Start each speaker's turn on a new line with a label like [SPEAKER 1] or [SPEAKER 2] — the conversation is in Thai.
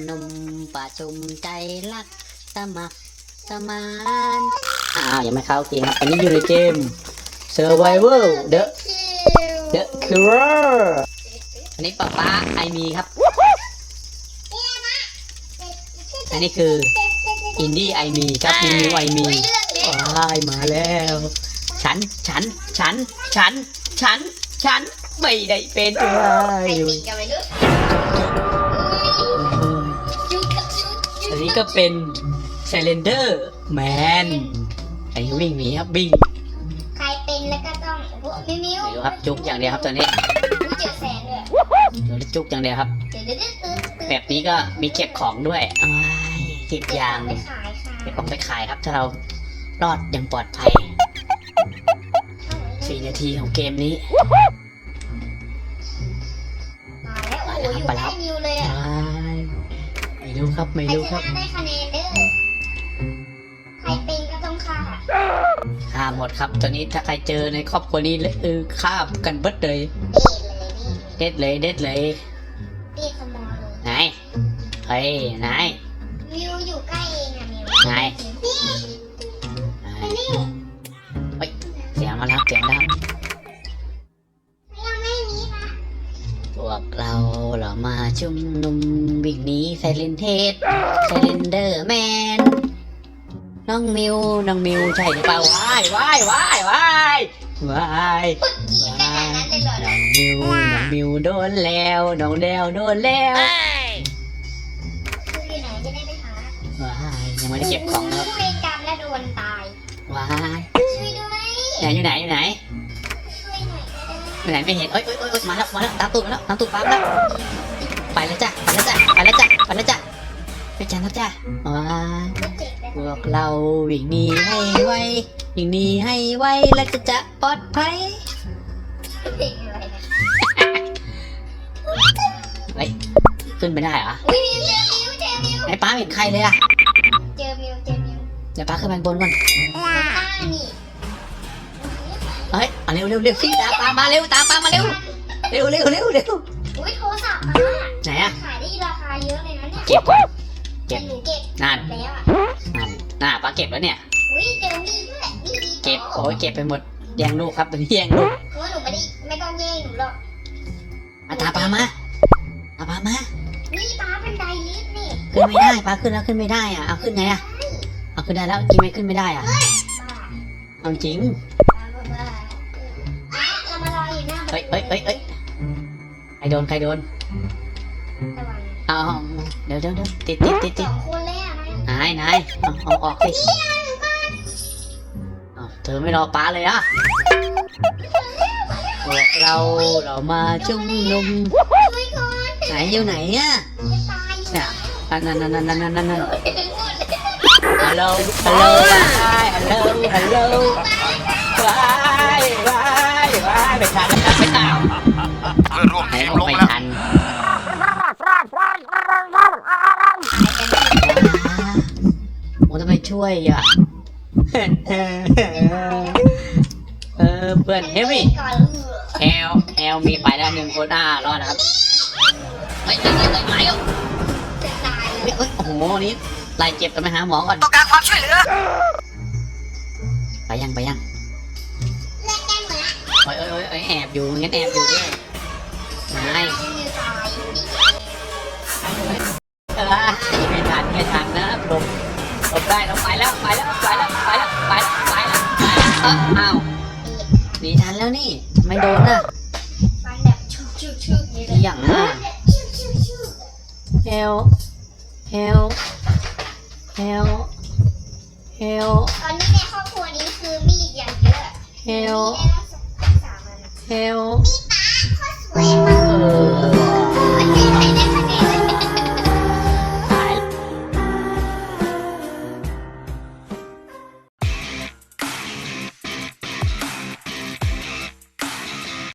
[SPEAKER 1] นมประชุมใจรักสมัครสมานยังไม่เข้าเกมครับอันนี้อยู่ในเกม Survival The Killer อันนี้ป๊าไอมีครับอันนี้คืออินดี้ไอมีครับมิวไอมีมาแล้วฉันไม่ได้เป็นอะไรอันนี้ก็เป็นไซเลนเดอร์แมนไอ้วิ่งหนีครับวิ่ง
[SPEAKER 2] ใครเป็นแล้วก็ต้องมิว
[SPEAKER 1] ไม่รู้ครับจุกอย่างเดียวครับตอนนี้
[SPEAKER 2] เจอแสงด้วย
[SPEAKER 1] จุกอย่างเดียวครับแบบนี้ก็มีเก็บของด้วยเก็บยางเก็บของไปขายครับถ้าเรารอดอย่างปลอดภัย4 นาทีของเกมนี้
[SPEAKER 2] มาแล้วโอ้โหอยู่ใกล้มิวเลยอ่ะ
[SPEAKER 1] ไม่รู้ครับ
[SPEAKER 2] ได้คะแนนเด้อใครเป็นก็ต้องฆ่า
[SPEAKER 1] หมดครับตอนนี้ถ้าใครเจอในครอบครัวนี้ฆ่ากันเบิดเลยเด็ดเลย
[SPEAKER 2] สมอเลย
[SPEAKER 1] ไหนเฮ้ยไหน
[SPEAKER 2] มิวอยู่ใกล้เองอ่ะมิว
[SPEAKER 1] ไหนเฮ้ยเสียงมาแล้ว
[SPEAKER 2] ยังไม่มีนะ
[SPEAKER 1] พวกเรามาชุมนุมวิ่งหนีไซเลนเดอร์แมนน้องมิวใช่หรือเปล่าว้ายน้องมิวโดนแล้วน้องแดวโดนแล้ว
[SPEAKER 2] คืออยู่ไหนจะได้ไปหา
[SPEAKER 1] ยังไม่ได้เก็บของครับ
[SPEAKER 2] เวรกรรมและโดนตายช่วยด้วย
[SPEAKER 1] อยู่ไหน
[SPEAKER 2] ช่วยหน่อย
[SPEAKER 1] ไหนไม่เห็นมาแล้วตามตูดปั๊มแล้วไปแล้วจ้ะไปจ้ะนะจ๊ะพวกเราวิ่งหนีให้ไวแล้วจะปลอดภัยขึ้นไม่ได้เหรอไอ้ป้าเห็นใครเลยอะ
[SPEAKER 2] เจอมิว
[SPEAKER 1] เดี๋ยวป้าขึ้นไปบนก่อนเฮ้ยเร็วสิตามป้ามาเร็ว
[SPEAKER 2] อุ้ยโทรศัพท์
[SPEAKER 1] ไหนอะ
[SPEAKER 2] ขายได้ราคาเยอะเลยนะเนี่ย
[SPEAKER 1] เก็บก่อน
[SPEAKER 2] หนูเก็บ
[SPEAKER 1] นั่น
[SPEAKER 2] แล้วอ่ะ
[SPEAKER 1] ป้าเก็บแล้วเนี่ย
[SPEAKER 2] อุ้ยเจอมีด้วย
[SPEAKER 1] เก็บเก็บไปหมดแย่งลูกครับตอนนี้แย่งลูก
[SPEAKER 2] เพราะหนูไม่ต้องแย่งหนูหรอก
[SPEAKER 1] ตามป้ามา
[SPEAKER 2] นี่ป้าเป็นไดลิฟต์นี่
[SPEAKER 1] ขึ้นไม่ได้ป้าขึ้นแล้วขึ้นไม่ได้อ่ะเอาขึ้นไงอ่ะเอาขึ้นได้แล้วจริงไหมขึ้นไม่ได้อ่ะเอาจริง
[SPEAKER 2] เรามารออยู่หน้า
[SPEAKER 1] เฮ้ยใครโดนเอาเดี๋ยวติด
[SPEAKER 2] คนเลยอ่ะ
[SPEAKER 1] นายเอาออกสิเธอไม่รอป้าเลยอ่ะพวกเรามาชุมนุมไหนอยู่ไหนอ่ะเนี่ยนั่นฮัลโหลไปทันแล้วไม่ตาม
[SPEAKER 3] เพื่อนร่วมทีมลงแล้ว
[SPEAKER 1] ทำไมช่วยอ่ะเพื่อนเฮมี่แอลมีไปแล้ว1 คนรอดนะครับไม่โอ้โหนี่ไล่เจ็บกันไปหาหมอก่อน
[SPEAKER 3] ต้องการความช่วยเหลือ
[SPEAKER 1] ไปยังแอบอยู่งั้นแอบอยู่ด้วยไม่ทันนะหลบได้เราไปแล้วอ้าวหนีทันแล้วนี่ไม่โดนนะ
[SPEAKER 2] มันแบบชุบนี่เลย
[SPEAKER 1] อย่างน่ะเฮล
[SPEAKER 2] ตอนนี้ในครอบครัวนี้คือมีดอย่างเยอะ
[SPEAKER 1] เฮล
[SPEAKER 2] มีป้าโคตรสวยมาก